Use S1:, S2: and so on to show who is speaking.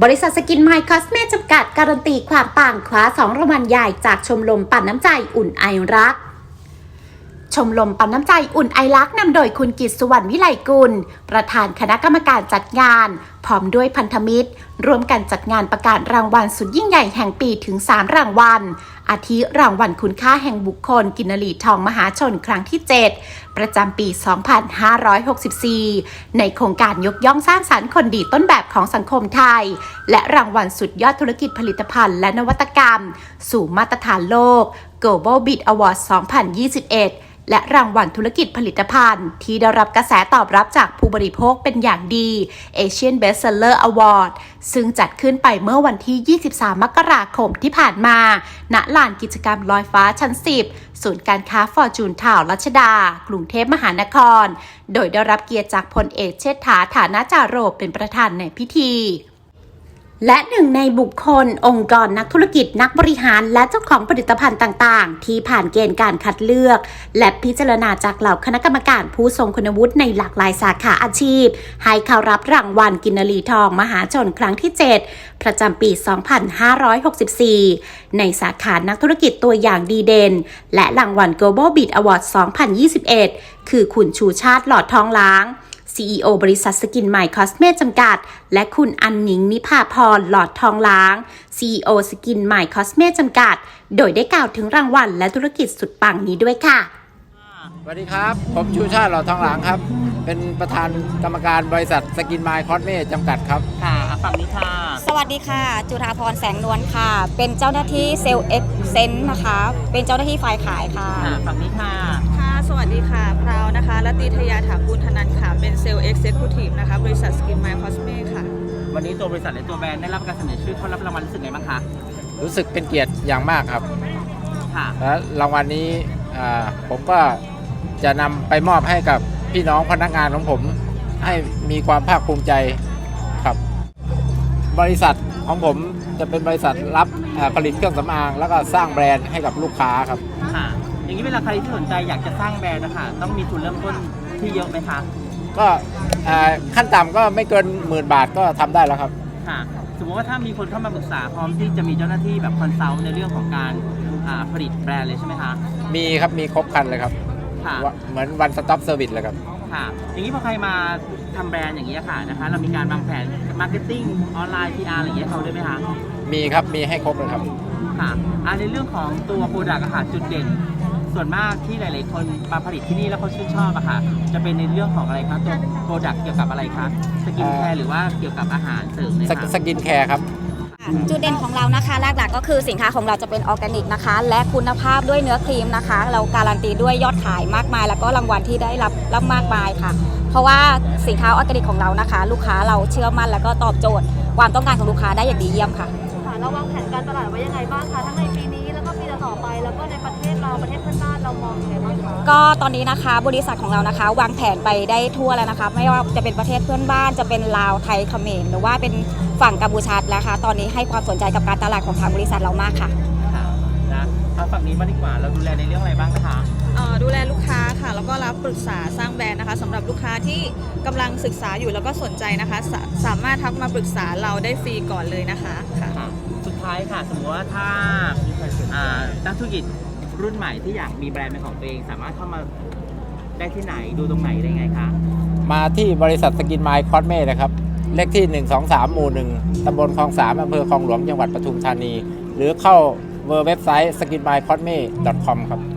S1: บริษัทสกินไมล์คอสเมตจำกัดการันตีความปังคว้า2 รางวัลใหญ่จากชมรมปั่นน้ำใจอุ่นไอรักชมรมปั่นน้ำใจอุ่นไอรักนำโดยคุณกิตติ์ สุวรรณวิไลกุลประธานคณะกรรมการจัดงานพร้อมด้วยพันธมิตรร่วมกันจัดงานประกาศรางวัลสุดยิ่งใหญ่แห่งปีถึง3 รางวัลอาทิรางวัลคุณค่าแห่งบุคคลกินรีทองมหาชนครั้งที่ 7 ประจำปี 2564 ในโครงการยกย่องสร้างสรรค์คนดีต้นแบบของสังคมไทยและรางวัลสุดยอดธุรกิจผลิตภัณฑ์และนวัตกรรมสู่มาตรฐานโลก Global Bid Award 2021และรางวัลธุรกิจผลิตภัณฑ์ที่ได้รับกระแสตอบรับจากผู้บริโภคเป็นอย่างดี Asian Bestseller Award ซึ่งจัดขึ้นไปเมื่อวันที่ 23 มกราคมที่ผ่านมาณลานกิจกรรมลอยฟ้าชั้น 10 ศูนย์การค้าฟอร์จูนทาวน์รัชดากรุงเทพมหานครโดยได้รับเกียรติจากพลเอกเชษฐา ฐานะจาโรเป็นประธานในพิธีและหนึ่งในบุคคลองค์กรนักธุรกิจนักบริหารและเจ้าของผลิตภัณฑ์ต่างๆที่ผ่านเกณฑ์การคัดเลือกและพิจารณาจากเหล่าคณะกรรมการผู้ทรงคุณวุฒิในหลากหลายสาขาอาชีพให้เข้ารับรางวัลกินรีทองมหาชนครั้งที่ 7 ประจำปี 2564 ในสาขานักธุรกิจตัวอย่างดีเด่นและรางวัล Global Bid Award 2021 คือคุณชูชาติหลอดทองล้างCEO บริษัทสกินไมล์คอสเมตจำกัดและคุณอันหนิงนิภาพรหลอดทองล้าง CEO สกินไมล์คอสเมตจำกัดโดยได้กล่าวถึงรางวัลและธุรกิจสุดปังนี้ด้วยค่ะ
S2: สวัสดีครับผมชูชาติหลอดทองหลางครับเป็นประธานกรรมการบริษัทสกินไมล์คอสเมตจำกัดครับ
S3: ค่ะฝั่งนี้ค่ะ
S4: สวัสดีค่ะจุฬาภรณ์แสงนวลค่ะเป็นเจ้าหน้าที่เซลล์เอ็กเซนต์นะคะเป็นเจ้าหน้าที่ฝ่ายขายค่ะ
S3: ฝั่งนี้ค่ะ
S5: ค่ะสวัสดีค่ะพราวนะคะรัตติทยาถากูลธนันท์ค่ะเป็นเซลล์เอ็กเซคิวทีฟนะคะบริษัทสกินไมล์คอสเมตค่ะ
S3: วันนี้ตัวบริษัทและตัวแบรนด์ได้รับการเสนอชื่อเข้ารับรางวัลรู้สึกไงบ้างคะ
S2: รู้สึกเป็นเกียรติอย่างมากครับ
S3: ค่ะ
S2: และรางวัลนี้ผมก็จะนำไปมอบให้กับพี่น้องพนักงานของผมให้มีความภาคภูมิใจครับบริษัทของผมจะเป็นบริษัทรับผลิตเครื่องสำอางแล้วก็สร้างแบรนด์ให้กับลูกค้าครับ
S3: ค่ะอย่างนี้เวลาใครที่สนใจอยากจะสร้างแบรนด์นะคะต้องมีทุนเริ่มต้นที่เยอะไหมคะ
S2: ก็ขั้นต่ำก็ไม่เกิน10,000 บาทก็ทำได้แล้วครับ
S3: ค่ะสมมติว่าถ้ามีคนเข้ามาปรึกษาพร้อมที่จะมีเจ้าหน้าที่แบบคอนซัลท์ในเรื่องของการผลิตแบรนด์เลยใช่ไหมคะ
S2: มีครับมีครบครันเลยครับเหมือน one stop service เลยครับ
S3: ค่ะอย่างนี้พอใครมาทำแบรนด์อย่างนี้ค่ะนะคะเรามีการวางแผนมาร์เก็ตติ้งออนไลน์ PR อะไรอย่างเงี้ยเขาด้วยไหมคะ
S2: มีครับมีให้ครบเลยครับ
S3: ค่ะในเรื่องของตัวโปรดักต์อาหารจุดเด่นส่วนมากที่หลายๆคนมาผลิตที่นี่แล้วเขาชื่นชอบอะค่ะจะเป็นในเรื่องของอะไรคะตัวโปรดักต์เกี่ยวกับอะไรคะสกินแคร์หรือว่าเกี่ยวกับอาหารเสริมเลยคะ
S2: สกินแคร์ครับ
S4: จุดเด่นของเรานะคะหลักๆก็คือสินค้าของเราจะเป็นออร์แกนิกนะคะและคุณภาพด้วยเนื้อครีมนะคะเราการันตีด้วยยอดขายมากมายแล้วก็รางวัลที่ได้รับมากมายค่ะเพราะว่าสินค้าออร์แกนิกของเรานะคะลูกค้าเราเชื่อมั่นแล้วก็ตอบโจทย์ความต้องการของลูกค้าได้อย่างดีเยี่ยมค่ะ
S5: เราวางแผนการตลาดไว้ยังไงบ้างคะทั้งในปีนี้แล้วก็ปีต่อไปแล้วก็ในประเทศเราประเทศเพื่อนบ้านเรามองยังไงบ้างคะ
S4: ก็ตอนนี้นะคะบริษัทของเรานะคะวางแผนไปได้ทั่วแล้วนะคะไม่ว่าจะเป็นประเทศเพื่อนบ้านจะเป็นลาวไทยเขมรหรือว่าเป็นฝั่งกัมพูชาแล้วค่ะตอนนี้ให้ความสนใจกับการตลาดของทางบริษัทเรามากค่ะ
S3: นะฝั่งนี้มาดีกว่าเราดูแลในเรื่องอะไรบ้างคะ
S5: ดูแลลูกค้าค่ะแล้วก็รับปรึกษาสร้างแบรนด์นะคะสำหรับลูกค้าที่กำลังศึกษาอยู่แล้วก็สนใจนะคะสามารถทักมาปรึกษาเราได้ฟรีก่อนเลยนะคะค่ะ
S3: สุดท้ายค่ะสมมติว่าถ้านักธุรกิจรุ่นใหม่ที่อยากมีแบรนด์เป็นของตัวเองสามารถเข้ามาได้ที่ไหนดูตรงไหนได้ไงคะ
S2: มาที่บริษัทสกินไมล์คอสเมตนะครับเลขที่ 123 หมู่ 1 ตำบลคลอง 3 อำเภอคลองหลวงจังหวัดปทุมธานีหรือเข้าเว็บไซต์ skinmycosme.com ครับ